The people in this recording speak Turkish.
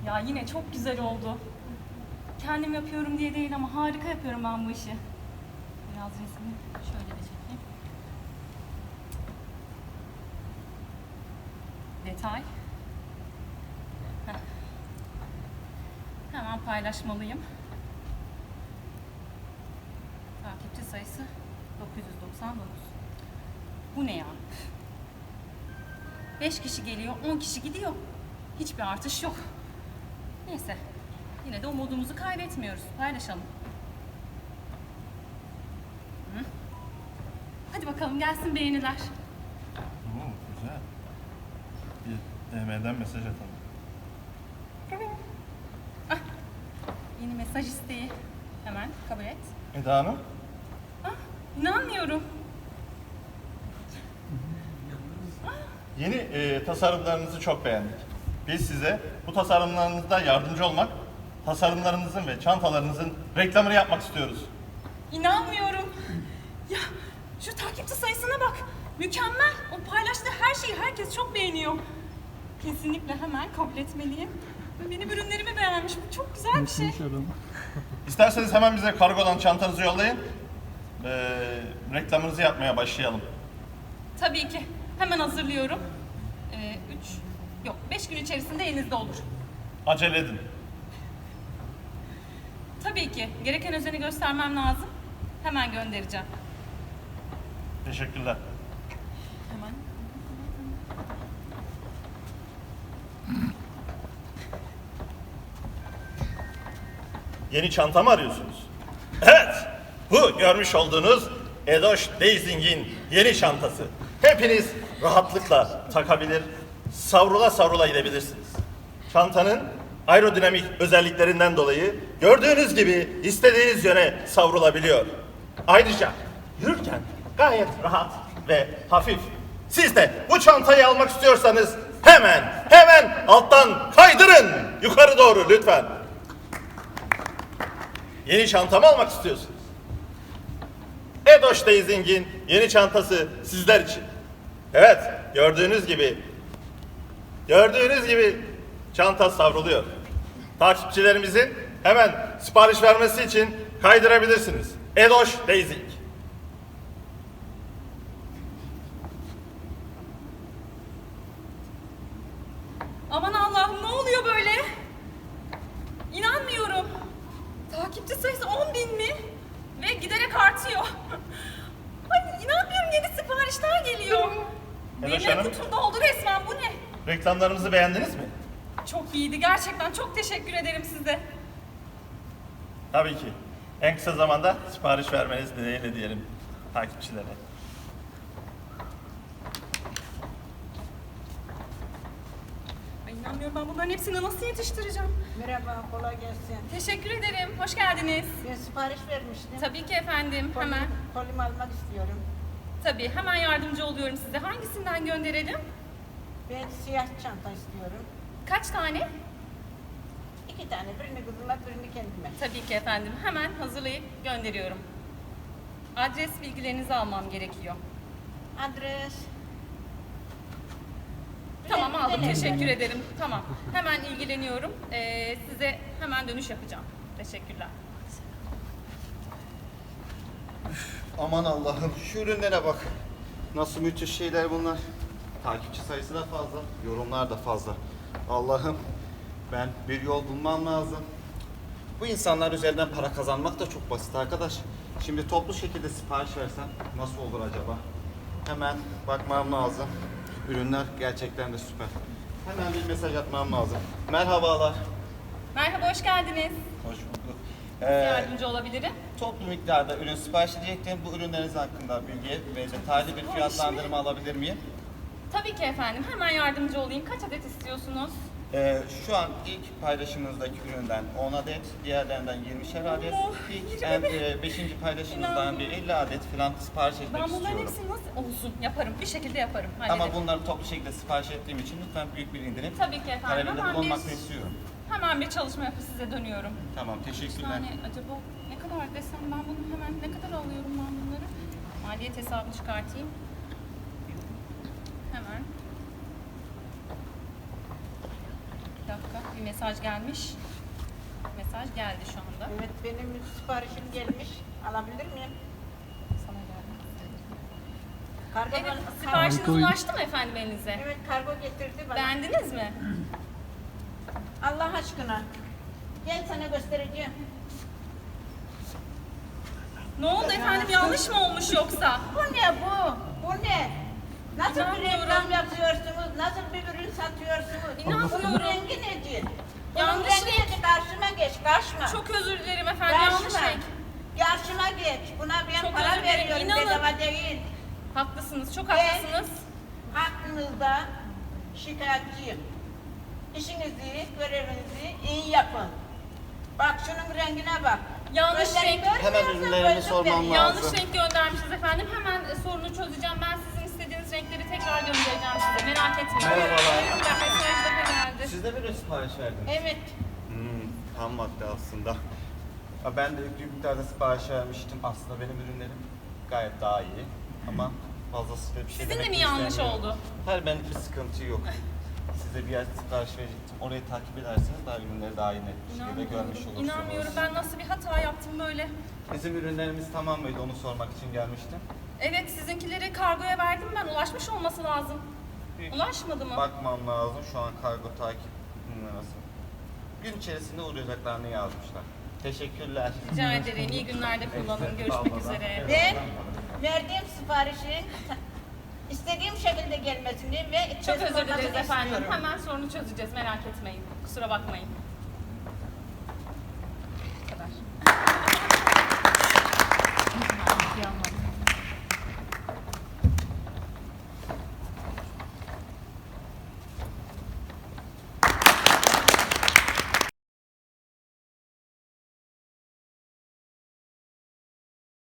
Ya yine çok güzel oldu. Kendim yapıyorum diye değil ama harika yapıyorum ben bu işi. Biraz resmini şöyle de çekeyim. Detay. Heh. Hemen paylaşmalıyım. Takipçi sayısı 999. Bu ne ya? 5 kişi geliyor, 10 kişi gidiyor. Hiçbir artış yok. Neyse, yine de umudumuzu kaybetmiyoruz. Paylaşalım. Hı? Hadi bakalım gelsin beğeniler. Oo, güzel. Bir DM'den mesaj atalım. Ah, yeni mesaj isteği. Hemen kabul et. Eda Hanım. Ah, inanmıyorum. Yeni tasarımlarınızı çok beğendik. Biz size bu tasarımlarınızda yardımcı olmak, tasarımlarınızın ve çantalarınızın reklamını yapmak istiyoruz. İnanmıyorum. Ya şu takipçi sayısına bak. Mükemmel. O paylaştığı her şeyi herkes çok beğeniyor. Kesinlikle hemen kabul etmeliyim. Ve benim ürünlerimi beğenmiş. Bu çok güzel bir şey. İsterseniz hemen bize kargodan çantanızı yollayın. Reklamınızı yapmaya başlayalım. Tabii ki. Hemen hazırlıyorum. 5 gün içerisinde elinizde olur. Acele edin. Tabii ki. Gereken özeni göstermem lazım. Hemen göndereceğim. Teşekkürler. Hemen. Yeni çanta mı arıyorsunuz? Evet, bu görmüş olduğunuz Edoş Dazing'in yeni çantası. Hepiniz rahatlıkla takabilir, savrula savrula gidebilirsiniz. Çantanın aerodinamik özelliklerinden dolayı gördüğünüz gibi istediğiniz yöne savrulabiliyor. Ayrıca yürürken gayet rahat ve hafif. Siz de bu çantayı almak istiyorsanız hemen alttan kaydırın yukarı doğru lütfen. Yeni çanta mı almak istiyorsunuz? Edoş Dazing'in yeni çantası sizler için. Evet, gördüğünüz gibi çanta savruluyor. Takipçilerimizin hemen sipariş vermesi için kaydırabilirsiniz. Edoş Dazing. Aman Allah'ım ne oluyor böyle? İnanmıyorum. Takipçi sayısı 10.000 mi? Ve giderek artıyor. Ay inanmıyorum yeni siparişler geliyor. Evet Benim hanım. kutum doldu resmen bu ne? Reklamlarımızı beğendiniz mi? Çok iyiydi gerçekten çok teşekkür ederim size. Tabii ki. En kısa zamanda sipariş vermeniz dileğiyle diyelim takipçilere. Ay inanmıyorum ben bunların hepsini nasıl yetiştireceğim? Merhaba, kolay gelsin. Teşekkür ederim. Hoş geldiniz. Ben sipariş vermiştim. Tabii ki efendim. Hemen. Kolyemi almak istiyorum. Tabii hemen yardımcı oluyorum size. Hangisinden gönderelim? Ben siyah çanta istiyorum. Kaç tane? 2 tane, birini kızıma, birini kendime. Tabii ki efendim. Hemen hazırlayıp gönderiyorum. Adres bilgilerinizi almam gerekiyor. Adres. Tamam aldım. Bilelim. Teşekkür ederim. Tamam. Hemen ilgileniyorum. Size hemen dönüş yapacağım. Teşekkürler. Aman Allah'ım şu ürünlere bak. Nasıl müthiş şeyler bunlar. Takipçi sayısı da fazla, yorumlar da fazla. Allah'ım ben bir yol bulmam lazım. Bu insanlar üzerinden para kazanmak da çok basit arkadaş. Şimdi toplu şekilde sipariş versem nasıl olur acaba? Hemen bakmam lazım. Ürünler gerçekten de süper. Hemen bir mesaj atmam lazım. Merhabalar. Merhaba, hoş geldiniz. Hoş bulduk. Yardımcı olabilirim. Toplu miktarda ürün sipariş edecektim. Bu ürünleriniz hakkında bilgi ve detaylı bir fiyatlandırma alabilir miyim? Tabii ki efendim. Hemen yardımcı olayım. Kaç adet istiyorsunuz? Şu an ilk paylaşımınızdaki üründen 10 adet, diğerlerinden 20'şer adet, Oh, ilk 20 5. paylaşımınızdan bir 50 adet falan sipariş etmek Ben bunların istiyorum. hepsini nasıl olsun yaparım. Bir şekilde yaparım. Ama Hallederim. bunları toplu şekilde sipariş ettiğim için lütfen büyük bir indirim Tabii ki efendim. talebinde Hemen bulunmak istiyorum. hemen bir çalışma yapıp size dönüyorum. Tamam, teşekkürler. Yani acaba ne kadar desem ben bunu hemen ne kadar alıyorum ben bunları? Maliyet hesabını çıkartayım. Hemen. Bir dakika. bir mesaj gelmiş. Mesaj geldi şu anda. Evet, benim siparişim gelmiş. Alabilir miyim? Sana geldi. Kargo Evet, bana- siparişiniz Kargo- ulaştı mı efendim elinize? Evet, kargo getirdi bana. Beğendiniz mi? Allah aşkına. Gel sana göstereceğim. Ne oldu efendim, yanlış mı olmuş yoksa? Bu ne bu? Bu ne? Nasıl bir İnanmıyorum. reklam yapıyorsunuz? Nasıl bir ürün satıyorsunuz? İnanmıyorum. Bunun rengi nedir? Bunun Yanlış rengi renk. nedir? Karşıma geç, karşıma. Çok özür dilerim efendim, yanlış Karşıma. renk. Karşıma geç. Buna ben Çok para özür dilerim, veriyorum. inanın. Bedava değil. Haklısınız, çok Ben- haklısınız. Hakkınızda şikayetçiyim. İşinizi, görevinizi iyi yapın. Bak şunun rengine bak. Yanlış Gözleri renk. görmüyorsun, Hemen ürünlerimi gözlük sormam veriyor. lazım. Yanlış renk göndermişiz efendim. Hemen sorunu çözeceğim. Ben sizin istediğiniz renkleri tekrar göndereceğim size. Merak etmeyin. Merhabalar. Buyurun, mesaj daha geldi. Siz de bir sipariş verdiniz. Evet. Tam madde aslında. Ya ben de yüklü miktarda sipariş vermiştim. Aslında benim ürünlerim gayet daha iyi. Ama fazlasıyla bir şey Sizin de demek mi yanlış istemiyorum. oldu? Hayır, benlik bir sıkıntı yok. Size bir yer sipariş verecektim. Orayı takip ederseniz daha ürünleri daha iyi net bir şekilde görmüş olursunuz. İnanmıyorum. Ben nasıl bir hata yaptım böyle. Bizim ürünlerimiz tamam mıydı? Onu sormak için gelmiştim. Evet, sizinkileri kargoya verdim ben. Ulaşmış olması lazım. Ulaşmadı mı? Bakmam lazım. Şu an kargo takip numarası. Gün içerisinde uğrayacaklarını yazmışlar. Teşekkürler. Rica ederim. İyi günlerde kullanın. Görüşmek üzere. Ben verdiğim siparişin istediğim şekilde gelmesini ve Çok özür teslim dileriz olmasını efendim. istiyorum. Hemen sorunu çözeceğiz. Merak etmeyin. Kusura bakmayın.